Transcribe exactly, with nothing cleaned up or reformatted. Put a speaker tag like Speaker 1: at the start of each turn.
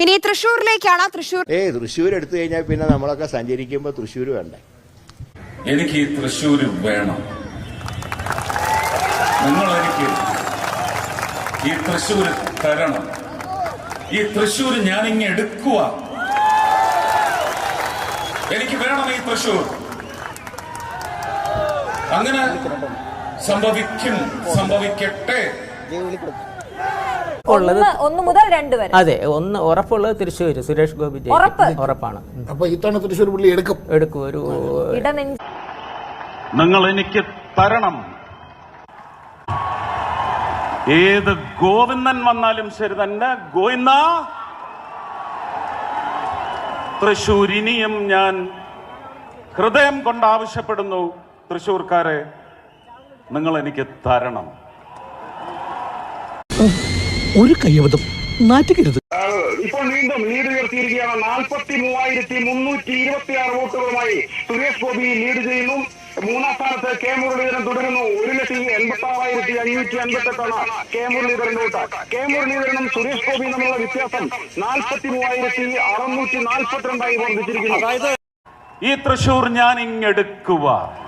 Speaker 1: ഇനി തൃശ്ശൂരിലേക്കാണ്. തൃശ്ശൂർ
Speaker 2: ഏ തൃശ്ശൂർ എടുത്തു കഴിഞ്ഞാൽ പിന്നെ നമ്മളൊക്കെ സഞ്ചരിക്കുമ്പോൾ തൃശ്ശൂർ വേണ്ടേ?
Speaker 3: എനിക്ക് ഈ തൃശ്ശൂർ വേണം. നിങ്ങൾ എനിക്ക് ഈ തൃശ്ശൂർ തരണം. ഈ തൃശ്ശൂർ ഞാനിങ്ങ് എടുക്കുക. എനിക്ക് വേണം ഈ തൃശ്ശൂർ. അങ്ങനെ സംഭവിക്കും, സംഭവിക്കട്ടെ.
Speaker 4: ഒന്ന് മുതൽ രണ്ട് വരെ.
Speaker 5: അതെ, ഒന്ന് ഉറപ്പുള്ളത് തൃശ്ശൂർ സുരേഷ് ഗോപി ഉറപ്പാണ്.
Speaker 6: അപ്പൊ ഇത്തവണ തൃശ്ശൂർ പുള്ളി എടുക്കും
Speaker 5: എടുക്കും ഒരു
Speaker 3: നിങ്ങൾ എനിക്ക് തരണം. ഏത് ഗോവിന്ദൻ വന്നാലും ശരി തന്നെ, ഗോവിന്ദ തൃശ്ശൂർ ഇനിയും ഞാൻ ഹൃദയം കൊണ്ട് ആവശ്യപ്പെടുന്നു. തൃശ്ശൂർക്കാരെ, നിങ്ങൾ എനിക്ക് തരണം.
Speaker 6: ഒരു കയ്യബദ്ധം നാറ്റുകരുത്.
Speaker 7: ഇപ്പോൾ വീണ്ടും ലീഡ് ഉയർത്തിയിരിക്കുകയാണ്. നാൽപ്പത്തി മൂവായിരത്തി മുന്നൂറ്റി ഇരുപത്തി ആറ് വോട്ടുകളുമായി സുരേഷ് ഗോപി ലീഡ് ചെയ്യുന്നു. മൂന്നാം സ്ഥാനത്ത് കെ മുരളീധരൻ തുടരുന്നു. ഒരു ലക്ഷത്തി എൺപത്തി ആറായിരത്തി അഞ്ഞൂറ്റി അൻപത്തി എട്ടാണ് കെ മുരളീധരൻ വോട്ട്. കെ മുരളീധരനും സുരേഷ് ഗോപിയും തമ്മിലുള്ള വ്യത്യാസം നാൽപ്പത്തി മൂവായിരത്തി അറുന്നൂറ്റി നാൽപ്പത്തിരണ്ടായി വർദ്ധിച്ചിരിക്കുന്നു.
Speaker 3: ഈ തൃശ്ശൂർ ഞാൻ ഇങ്ങെടുക്കുക.